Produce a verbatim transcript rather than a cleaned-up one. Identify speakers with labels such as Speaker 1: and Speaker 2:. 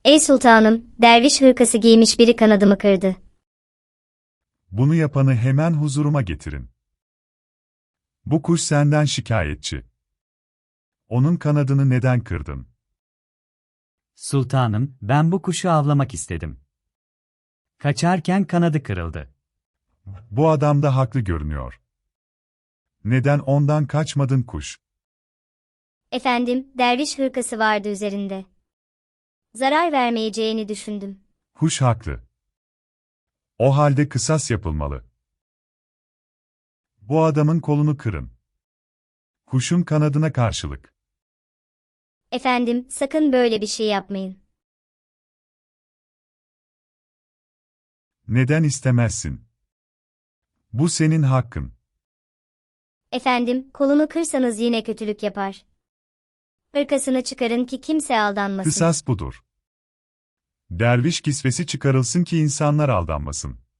Speaker 1: Ey sultanım, derviş hırkası giymiş biri kanadımı kırdı.
Speaker 2: Bunu yapanı hemen huzuruma getirin. Bu kuş senden şikayetçi. Onun kanadını neden kırdın?
Speaker 3: Sultanım, ben bu kuşu avlamak istedim. Kaçarken kanadı kırıldı.
Speaker 2: Bu adam da haklı görünüyor. Neden ondan kaçmadın kuş?
Speaker 1: Efendim, derviş hırkası vardı üzerinde. Zarar vermeyeceğini düşündüm.
Speaker 2: Kuş haklı. O halde kısas yapılmalı. Bu adamın kolunu kırın. Kuşun kanadına karşılık.
Speaker 1: Efendim, sakın böyle bir şey yapmayın.
Speaker 2: Neden istemezsin? Bu senin hakkın.
Speaker 1: Efendim, kolunu kırsanız yine kötülük yapar. Hırkasını çıkarın ki kimse aldanmasın.
Speaker 2: Kısas budur. Derviş kisvesi çıkarılsın ki insanlar aldanmasın.